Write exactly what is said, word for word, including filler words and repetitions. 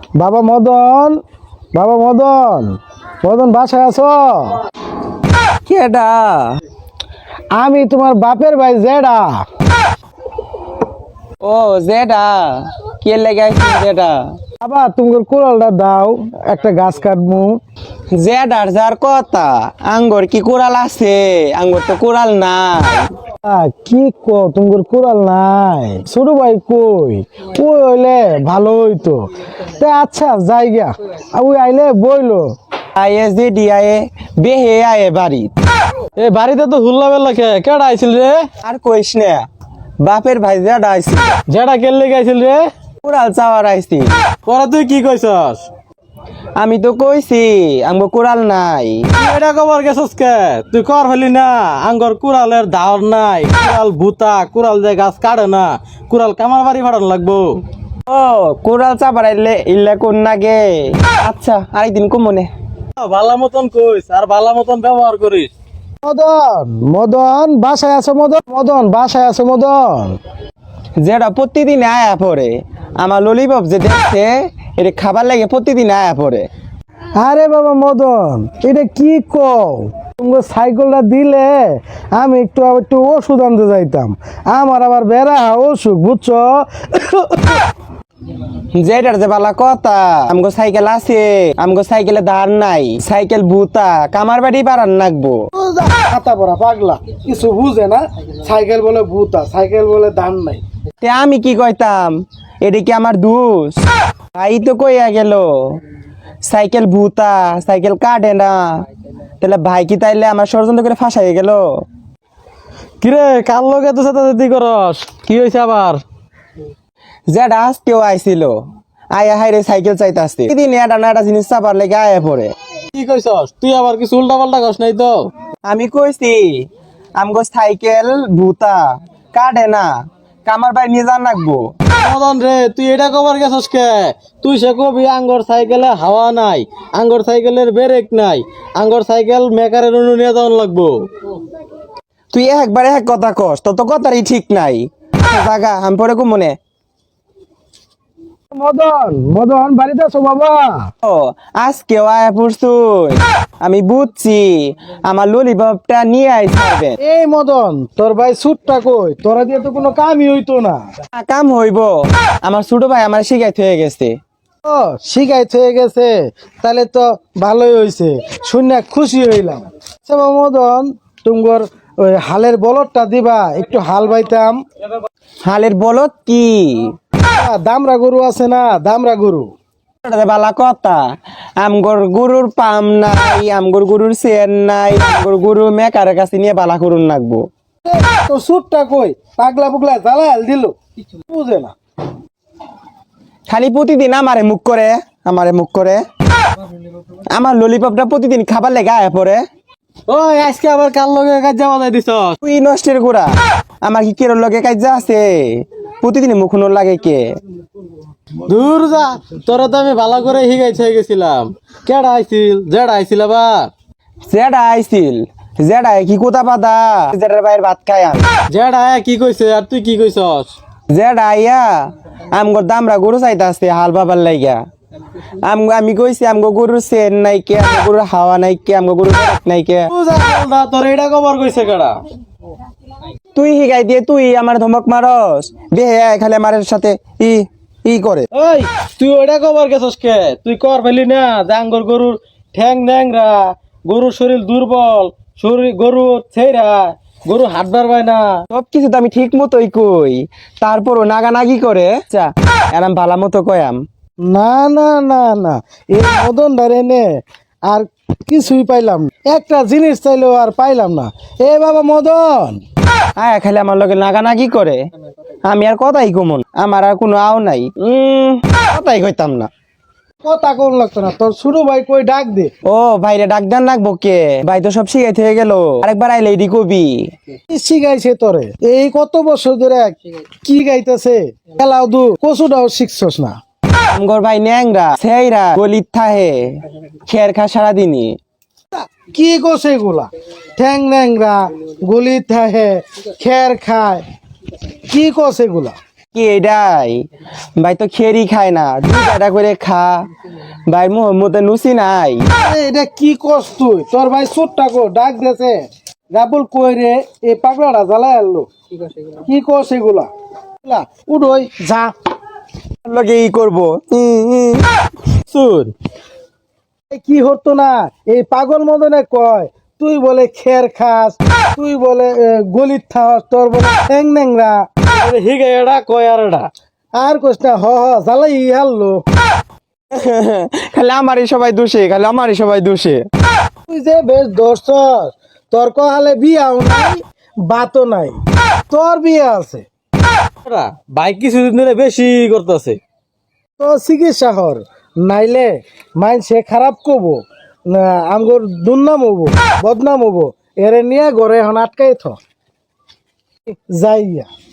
বাবা মদন, বাবা মদন, মদন বাসায় আছো? কেডা? আমি তোমার বাপের ভাই জেডা। ও জেডা, কে লাগাইছি জেডা? বাবা তুমি কুড়ালটা দাও, একটা গাছ কাটবো। জেডার যার কথা, আঙ্গর কি কুড়াল আছে? আঙ্গর তো কুড়াল নাই। আহ, কি কো তুমি কুড়াল নাই? ছোট ভাই কই? ওই হইলে ভালো হইতো। তা আচ্ছা জায়গা ওই আইলে বইলো। আয়ে যে ডিয়ায়ে বেহে আয়ে বাড়ি। এ বাড়িতে তো হুল্লা বেল্লা কে কেডা আইছিল রে? আর কইস না, বাপের ভাই জেডা আইছি, জেডা কেলে গাইছিল রে? কুড়াল চাওয়ার আইছি। পরে তুই কি কইছস? আমি তো কইছি আমগো কুড়াল নাই। এটা কবার গেছস কে? তুই কর ফেলি না, আঙ্গর কুড়ালের ধার নাই। কুড়াল ভূতা, কুড়াল যে গাছ কাটে না, কুড়াল কামার বাড়ি ফাটানো লাগবো। ও কুড়াল চাপার আইলে ইল্লা কোন নাগে। আচ্ছা আরেকদিন কমনে। ভালো মতন কইস আর ভালো মতন ব্যবহার করিস। মদন, মদন বাসায় আছে? মদন, মদন বাসায় আছে? মদন যেটা প্রতিদিন আয়া পড়ে, আমার ললিপপ যে দেখছে এটা খাবার লাগে প্রতিদিন আয়া পড়ে। আরে বাবা মদন, এটা কি কও? তোমার সাইকেলটা দিলে আমি একটু একটু ওষুধ আনতে যাইতাম। আমার আবার বেড়া অসুখ, বুঝছো? যেটার যে বালা কথা, আমগো সাইকেল আছে, আমগো সাইকেলে ধার নাই, সাইকেল ভূতা কামার বাড়ি পারান নাকবো। খাতা পড়া পাগলা, কিছু বুঝে না। সাইকেল বলে ভূতা, সাইকেল বলে ধান নাই। তে আমি কি কইতাম? এটা কি আমার দোষ? তাই তো কইয়া গেল সাইকেল ভূতা, সাইকেল কাটে না। তাহলে ভাই কি তাইলে আমার ষড়যন্ত্র করে ফাঁসাই গেল? কিরে কার লগে তো সাথে করস? কি হয়েছে আবার? যেটা আজকেও আইছিল, আয়া হাইরে সাইকেল চাইতে আসছে, দিন এটা না একটা জিনিস চাপার লেগে আয়া পড়ে। কি কইছস? তুই আবার কিছু উল্টা পাল্টা কস নাই তো? আমি কইছি আমগো সাইকেল ভূতা কাটে না, কামার বাড়ি নিয়ে যান রাখবো। মদন রে, তুই এটা কবার গেছস কে? তুই সে কবি আঙ্গর সাইকেলে হাওয়া নাই, আঙ্গর সাইকেলের ব্রেক নাই, আঙ্গর সাইকেল মেকারের অনু নিয়ে যাওয়ান লাগবো। তুই একবার এক কথা কস, তো তো কথারই ঠিক নাই। জাগা আমি পরে কো মনে। মদন, মদন বাড়িতে আছো বাবা? ও আজকেও আয়া পড়ছুই, আমি বুঝছি আমার ললিপপটা নিয়ে আইসাবেন। এই মদন, তোর ভাই সুটটা কই? তোরা দিয়ে তো কোনো কামই হইতো না। কাম হইব, আমার ছোট ভাই আমার শিখাইতে হয়ে গেছে। ও শিখাইতে হয়ে গেছে, তাহলে তো ভালোই হইছে, শুনে খুশি হইলাম। আচ্ছা বাবা মদন, তুমগর ওই হালের বলদটা দিবা, একটু হাল বাইতাম। হালের বলত কি? দামরা গরু আছে না, দামরা গরু। বালা কথা, আমগর গরুর পাম নাই, আমগর গরুর চেন নাই, আমগর গরু মেকারের কাছে নিয়ে বালা করুন লাগবো। তো সুটটা কই? পাগলা পুগলা জ্বালাল দিল, কিছু বুঝে না। খালি প্রতিদিন আমারে মুখ করে, আমারে মুখ করে। আমার ললিপপটা প্রতিদিন খাবার লেগে আয়া পড়ে। ওই আজকে আবার কার লগে কাজ যাওয়া যাই দিছ? তুই নষ্টের গোড়া, আমার কি কেরোর লগে কাজ আছে? প্রতিদিন মুখুনোর লাগে কে? দূর যা, তোরা তো আমি ভালো করে হিগাইতে গেছিলাম। কেডা আইছিল? জেডা আইছিল আবার। জেডা আইছিল, জেডা কি কোথা পাতা, জেডার বাইরে ভাত খাই আমি। জেডা কি কইছে আর তুই কি কইছস? জেডা আইয়া আমগর দামরা গরু চাইতে আসতে হাল বাবার লাইগা। আম আমি কইছি আমগো গরুর চেন নাই কে, আমগো গরুর হাওয়া নাই কে, আমগো গরুর নাই কে। তোর এটা কবার কইছে কেডা? তুই হিগাই দিয়ে তুই আমার ধমক মারস, বেহে খালি আমার সাথে ই ই করে। ওই তুই ওটা কবার গেছস কে? তুই কর ফেলি না, জাঙ্গর গরুর ঠ্যাং ন্যাংরা, গরুর শরীর দুর্বল, শরীর গরু ছেড়া, গরু হাত বাড়বায় না। সব কিছু তো আমি ঠিক মতোই কই, তারপরও নাগানাগি করে। চা এরাম ভালা মতো কয়াম। না না না না, এই মদন ধরে নে আর কিছুই পাইলাম না। একটা জিনিস চাইলেও আর পাইলাম না। এ বাবা মদন, আয়া খালি আমার লগে নাগানাগি করে, আমি আর কথাই কমন, আমার আর কোনো আও নাই। উম কথাই কইতাম না। কথা কোন লাগতো না, তোর ছোট ভাই কই ডাক দে। ও ভাইরে ডাক দেন লাগবো কে? ভাই তো সব শিখাইতে হয়ে গেল, আরেকবার আইলে এডি কবি। কি শিখাইছে তোরে? এই কত বছর ধরে কি গাইতেছে? খেলাও দু কচুটাও শিখছস না। আমগর ভাই ন্যাংরা সেইরা গলিত থাহে, খের খা সারাদিনই। কি করছে এগুলা? ঠ্যাং ন্যাংরা, গলি থাহে, খের খায়, কি করছে এগুলা? কি এটাই ভাই তো খেরি খায় না দুই কাটা করে খা ভাই মোহাম্মতে নুসি নাই। আরে এটা কি কস তুই? তোর ভাই সুটটা কো ডাক দেছে রাবুল কই রে এই পাগলাটা জ্বালায় আনলো। কি কস এগুলা? এগুলা উড়োই যা লগে ই করবো শুন এই কি হতো না এই পাগল মদনে কয় তুই বলে খের খাস, তুই বলে গলিত থাস, তোর বলে ঠ্যাং ন্যাংরা হিগে এডা কয় আর এডা আর কস না হ হ জ্বালাই হারলো। খালি আমারই সবাই দোষে খালি আমারই সবাই দোষে। তুই যে বেশ দর্শস তোর কহালে বিয়াও নাই বাতও নাই, তোর বিয়ে আছে বাইক কিছুদিন ধরে বেশি করতেছে। তো চিকিৎসা হর নাইলে মাইন সে খারাপ করবো না আমগর দুর্নাম হবো বদনাম হবো এরে নিয়ে ঘরে এখন আটকাই থ যাইয়া।